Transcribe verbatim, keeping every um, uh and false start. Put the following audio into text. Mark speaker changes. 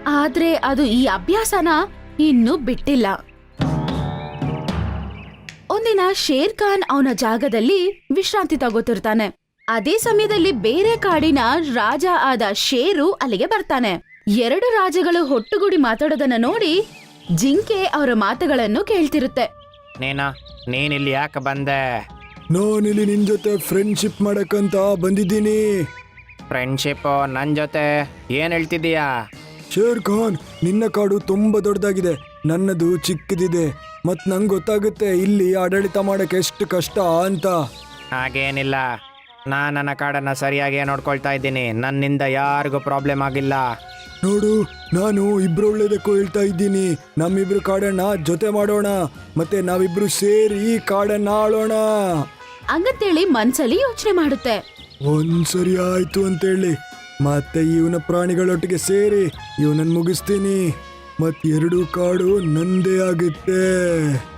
Speaker 1: ಆದ್ರೆ ಅದು ಈ ಅಭ್ಯಾಸನ ಇನ್ನೂ ಬಿಟ್ಟಿಲ್ಲ. ಒಂದಿನ ಶೇರ್ ಖಾನ್ ಅವನ ಜಾಗದಲ್ಲಿ ವಿಶ್ರಾಂತಿ ತಗೋತಿರ್ತಾನೆ. ಅದೇ ಸಮಯದಲ್ಲಿ ಬೇರೆ ಕಾಡಿನ ರಾಜ ಆದ ಶೇರು ಅಲ್ಲಿಗೆ ಬರ್ತಾನೆ. ಎರಡು ರಾಜಗಳು ಒಟ್ಟುಗೂಡಿ ಮಾತಾಡೋದನ್ನ ನೋಡಿ ಜಿಂಕೆ ಅವರ ಮಾತುಗಳನ್ನು ಕೇಳ್ತಿರುತ್ತೆ.
Speaker 2: ನೀನ ನೀನಿಲ್ಲಿ ಯಾಕೆ ಬಂದೆ?
Speaker 3: ನಾನಿಲ್ಲಿ ನಿನ್ ಜೊತೆ ಫ್ರೆಂಡ್ಶಿಪ್ ಮಾಡಕ್ಕಂತ ಬಂದಿದ್ದೀನಿ.
Speaker 2: ಫ್ರೆಂಡ್ಶಿಪ್ ನನ್ನ ಜೊತೆ ಏನು ಹೇಳ್ತಿದ್ದೀಯಾ?
Speaker 3: ಶೇರ್ ಖಾನ್, ನಿನ್ನ ಕಾಡು ತುಂಬಾ ದೊಡ್ಡದಾಗಿದೆ, ನನ್ನದು ಚಿಕ್ಕದಿದೆ. ಮತ್ ನಂಗೆ ಗೊತ್ತಾಗುತ್ತೆ ಇಲ್ಲಿ ಆಡಳಿತ ಮಾಡಕ್ಕೆ ಎಷ್ಟು ಕಷ್ಟ ಅಂತ.
Speaker 2: ಹಾಗೇನಿಲ್ಲ, ನಾನು ನನ್ನ ಕಾಡನ್ನು ಸರಿಯಾಗಿ ನೋಡ್ಕೊಳ್ತಾ ಇದ್ದೀನಿ. ನನ್ನಿಂದ ಯಾರಿಗೂ ಪ್ರಾಬ್ಲಮ್ ಆಗಿಲ್ಲ.
Speaker 3: ನೋಡು, ನಾನು ಇಬ್ರು ಒಳ್ಳೇದಕ್ಕೂ ಹೇಳ್ತಾ ಇದ್ದೀನಿ. ನಮ್ಮಿಬ್ರು ಕಾಡನ್ನ ಜೊತೆ ಮಾಡೋಣ, ಮತ್ತೆ ನಾವಿಬ್ರು ಸೇರಿ ಈ ಕಾಡನ್ನ ಆಳೋಣ
Speaker 1: ಹಂಗಂತೇಳಿ ಮನ್ಸಲ್ಲಿ ಯೋಚನೆ ಮಾಡುತ್ತೆ.
Speaker 3: ಒಂದ್ಸರಿ ಆಯ್ತು ಅಂತೇಳಿ ಮತ್ತೆ ಇವನ ಪ್ರಾಣಿಗಳೊಟ್ಟಿಗೆ ಸೇರಿ ಇವನನ್ನ ಮುಗಿಸ್ತೀನಿ. ಮತ್ ಎರಡು ಕಾಡು ನಂದೇ ಆಗುತ್ತೆ.